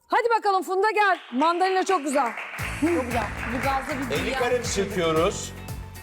Hadi bakalım Funda gel. Mandalina çok güzel. Çok güzel. Bu gazda bir 50 dünya. kare çekiyoruz.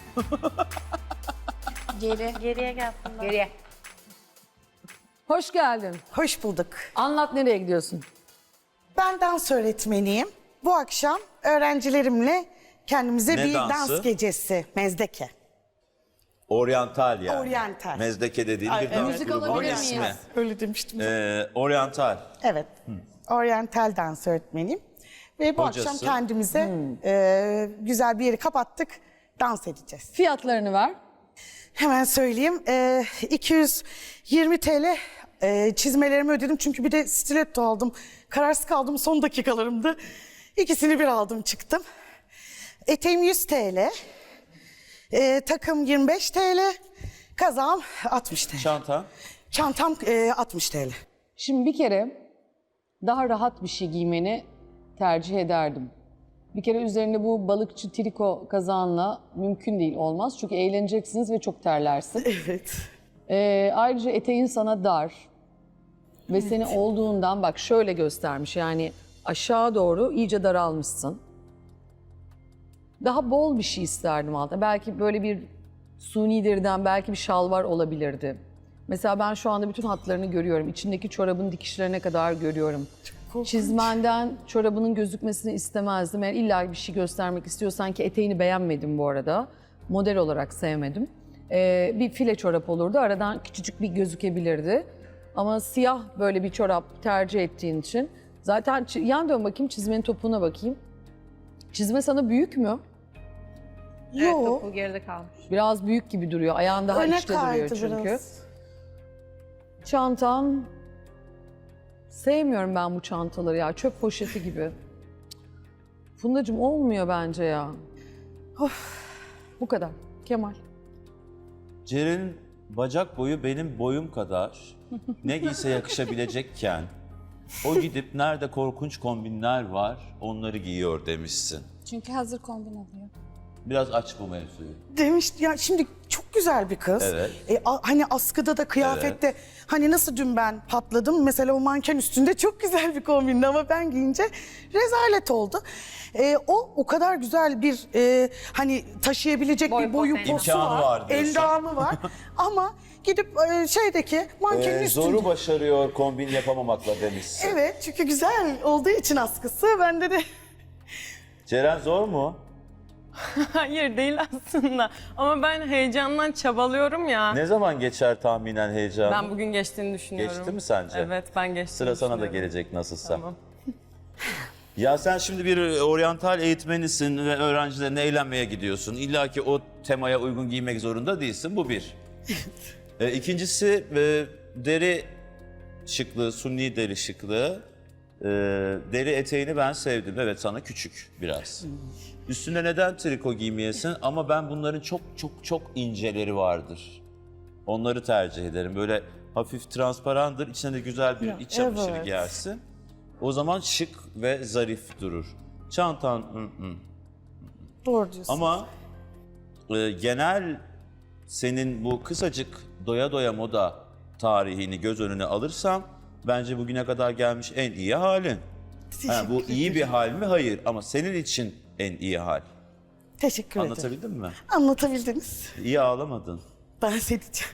Geriye gel Funda. Geriye. Hoş geldin. Hoş bulduk. Anlat nereye gidiyorsun? Ben dans öğretmeniyim. Bu akşam öğrencilerimle kendimize Ne bir dansı? dans gecesi, mezdeke. Oryantal yani. Oryantal. Mezdeke dediğin Ay, bir dans müzik grubunun alabilir ismi. miyiz? Öyle demiştim. Oryantal. Evet. Oryantal dans öğretmeniyim. Ve bu Hocası? akşam kendimize güzel bir yeri kapattık. Dans edeceğiz. Fiyatlarını ver. Hemen söyleyeyim. 220 TL çizmelerimi ödedim. Çünkü bir de stiletto aldım. Kararsız kaldım son dakikalarımda. İkisini bir aldım çıktım. Eteğim 100 TL. Takım 25 TL. Kazağım 60 TL. Çanta. Çantam 60 TL. Şimdi bir kere daha rahat bir şey giymeni tercih ederdim. Bir kere üzerinde bu balıkçı triko kazağınla mümkün değil, olmaz. Çünkü eğleneceksiniz ve çok terlersin. Evet. Ayrıca eteğin sana dar ve seni olduğundan bak şöyle göstermiş, yani aşağı doğru iyice daralmışsın. Daha bol bir şey isterdim altına. Belki böyle bir suni deriden belki bir şalvar olabilirdi. Mesela ben şu anda bütün hatlarını görüyorum. İçindeki çorabın dikişlerine kadar görüyorum. Çizmenden çorabının gözükmesini istemezdim. Eğer illa bir şey göstermek istiyorsan, ki eteğini beğenmedim bu arada. Model olarak sevmedim. Bir file çorap olurdu. Aradan küçücük bir gözükebilirdi. Ama siyah böyle bir çorap tercih ettiğin için. Zaten yan dön bakayım, çizmenin topuğuna bakayım. Çizme sana büyük mü? Evet, Yo. topu geride kalmış. Biraz büyük gibi duruyor. Ayağın daha Öne içte duruyor kaydı çünkü. biraz. Çantan... Sevmiyorum ben bu çantaları ya. Çöp poşeti gibi. Fundacığım olmuyor bence ya. Bu kadar. Kemal. Ceren'in bacak boyu benim boyum kadar. Ne giyse yakışabilecekken o gidip nerede korkunç kombinler var onları giyiyor demişsin. Çünkü hazır kombin oluyor. Biraz aç bu mevzuyu. Demiş ya, şimdi çok güzel bir kız. Evet. Hani askıda da kıyafette hani nasıl dün ben patladım. Mesela o manken üstünde çok güzel bir kombindi ama ben giyince rezalet oldu. O kadar güzel bir hani taşıyabilecek Boy bir boyu potansiyeli. posu İmkanı var. var diyorsun. Endamı var. Ama gidip şeydeki mankenin üstünde. Zoru başarıyor kombin yapamamakla demişsin. Evet, çünkü güzel olduğu için askısı bende de. Ceren zor mu? Hayır değil aslında. Ama ben heyecandan çabalıyorum ya. Ne zaman geçer tahminen heyecanı? Ben bugün geçtiğini düşünüyorum. Geçti mi sence? Evet, ben geçtiğini Sıra sana da düşünüyorum. gelecek nasılsa. Tamam. Ya sen şimdi bir oryantal eğitmenisin ve öğrencilerine eğlenmeye gidiyorsun. İlla ki o temaya uygun giymek zorunda değilsin. Bu bir. İkincisi deri şıklığı, sunni deri şıklığı. Deri eteğini ben sevdim. Evet, sana küçük biraz. Üstüne neden triko giymeyesin? Ama ben bunların çok çok çok inceleri vardır. Onları tercih ederim. Böyle hafif transparandır. İçine de güzel bir iç çamaşırı evet. giyersin. O zaman şık ve zarif durur. Çantan Doğru diyorsun. ama genel senin bu kısacık doya doya moda tarihini göz önüne alırsam bence bugüne kadar gelmiş en iyi halin. Ha, bu iyi bir hal mi? Hayır, ama senin için en iyi hal. Teşekkür ederim. Anlatabildim mi? Anlatabildiniz. İyi ağlamadın. Dans edeceğim.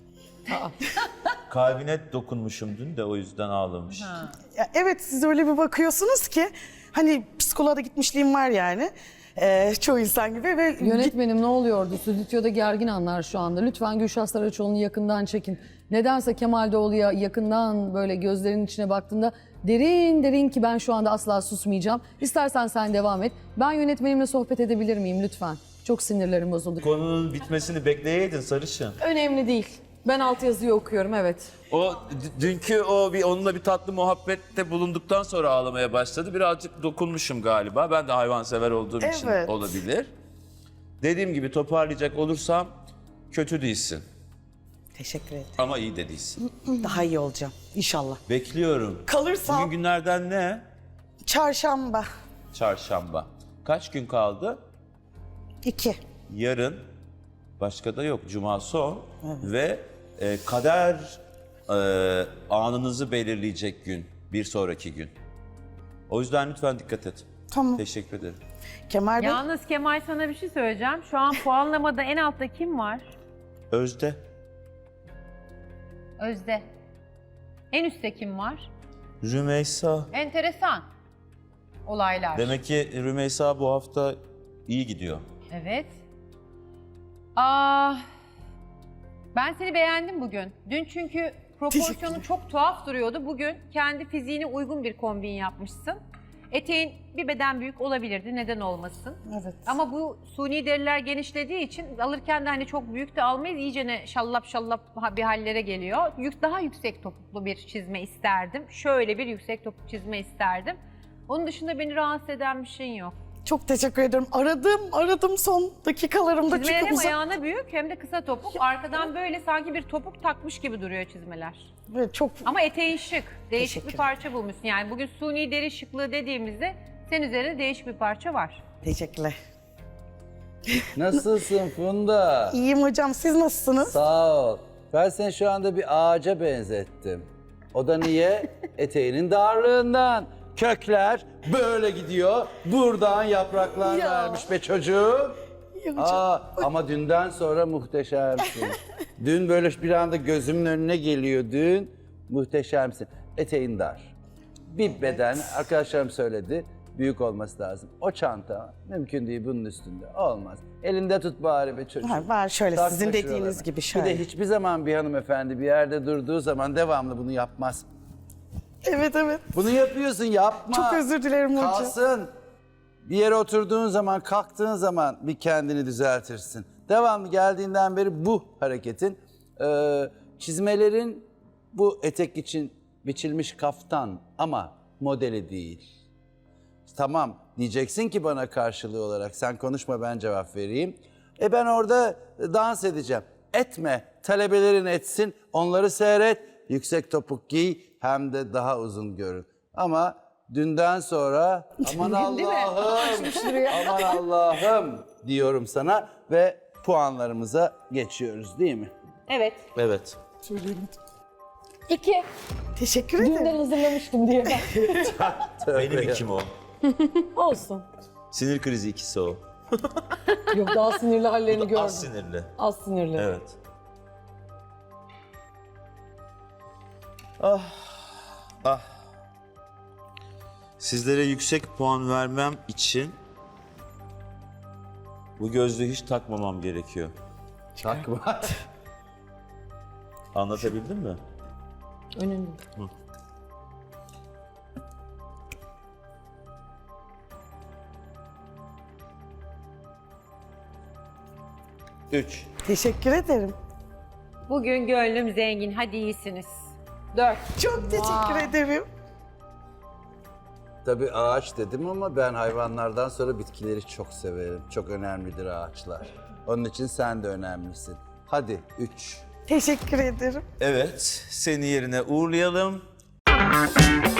Kalbine dokunmuşum dün de o yüzden ağlamış. Ya evet, siz öyle bir bakıyorsunuz ki hani psikoloğa da gitmişliğim var yani. Çoğu insan gibi ve Yönetmenim ne oluyordu? Stüdyoda gergin anlar şu anda. Lütfen Gülşah Saraçoğlu'nu yakından çekin. Nedense Kemal Doğulu'ya yakından böyle gözlerinin içine baktığında derin derin, ki ben şu anda asla susmayacağım. İstersen sen devam et. Ben yönetmenimle sohbet edebilir miyim lütfen? Çok sinirlerim bozuldu. Konunun bitmesini bekleyeydin sarışın. Önemli değil. Ben altyazıyı okuyorum, evet. O dünkü onunla bir tatlı muhabbette bulunduktan sonra ağlamaya başladı. Birazcık dokunmuşum galiba. Ben de hayvansever olduğum için Evet. olabilir. Dediğim gibi toparlayacak olursam kötü değilsin teşekkür ederim. ama iyi de değilsin. Daha iyi olacağım inşallah. Bekliyorum. Kalırsam Bugün günlerden ne? çarşamba Çarşamba. Kaç gün kaldı? 2. Yarın başka da yok. Cuma son ve kader anınızı belirleyecek gün. Bir sonraki gün. O yüzden lütfen dikkat et. Tamam. Teşekkür ederim. Kemal Bey. Yalnız Kemal sana bir şey söyleyeceğim. Şu an puanlamada en altta kim var? Özde. Özde. En üstte kim var? Rümeysa. Enteresan olaylar. Demek ki Rümeysa bu hafta iyi gidiyor. Evet. Ben seni beğendim bugün. Dün çünkü proporsiyonu çok tuhaf duruyordu. Bugün kendi fiziğine uygun bir kombin yapmışsın. Eteğin bir beden büyük olabilirdi. Neden olmasın? Evet. Ama bu suni deriler genişlediği için alırken de hani çok büyük de almayız. İyicene şallap şallap bir hallere geliyor. Daha yüksek topuklu bir çizme isterdim. Şöyle bir yüksek topuk çizme isterdim. Onun dışında beni rahatsız eden bir şeyin yok. Çok teşekkür ederim. Aradım son dakikalarımda Çizmeler çünkü hem uzak. ayağına büyük hem de kısa topuk. Arkadan böyle sanki bir topuk takmış gibi duruyor çizmeler. Evet, çok Ama eteğin şık. Değişik Teşekkür bir parça bulmuşsun. Yani bugün suni deri şıklığı dediğimizde senin üzerinde değişik bir parça var. teşekkürler. Nasılsın Funda? İyiyim hocam. Siz nasılsınız? Sağ ol. Ben seni şu anda bir ağaca benzettim. O da niye? Eteğinin darlığından. Kökler böyle gidiyor. Buradan yapraklar Ya. vermiş be çocuğum. İyi hocam. Ama dünden sonra muhteşemsin. Dün böyle bir anda gözümün önüne geliyor dün. Muhteşemsin. Eteğin dar. Bir beden, arkadaşlarım söyledi, büyük olması lazım. O çanta mümkün değil bunun üstünde. Olmaz. Elinde tut bari be çocuğum. Var şöyle Takma sizin dediğiniz şuralarına. gibi Bir şöyle. de hiçbir zaman bir hanımefendi bir yerde durduğu zaman devamlı bunu yapmaz. Evet. Bunu yapıyorsun, yapma. Çok özür dilerim hocam. Kalsın. Bir yere oturduğun zaman, kalktığın zaman bir kendini düzeltirsin. Devamlı geldiğinden beri bu hareketin, çizmelerin bu etek için biçilmiş kaftan ama modeli değil. Tamam diyeceksin ki bana karşılığı olarak sen konuşma ben cevap vereyim. Ben orada dans edeceğim. Etme, talebelerin etsin, onları seyret, yüksek topuk giy hem de daha uzun görün. Ama dünden sonra aman Allah'ım, aman Allah'ım diyorum sana ve puanlarımıza geçiyoruz değil mi? Evet. Evet. Söyleyemedim. 2. Teşekkür ederim. hazırlamıştım diye ben. Benim ikim o. Olsun. Sinir krizi ikisi o. Yok daha sinirli hallerini gördüm. Az sinirli. Az sinirli. Evet. Ah. Sizlere yüksek puan vermem için bu gözlüğü hiç takmamam gerekiyor. Takma. Anlatabildim mi? Önemli. Üç. Teşekkür ederim. Bugün gönlüm zengin. Hadi iyisiniz. 4. Çok teşekkür ederim. Tabii ağaç dedim ama ben hayvanlardan sonra bitkileri çok severim. Çok önemlidir ağaçlar. Onun için sen de önemlisin. Hadi 3. Teşekkür ederim. Evet, seni yerine uğurlayalım.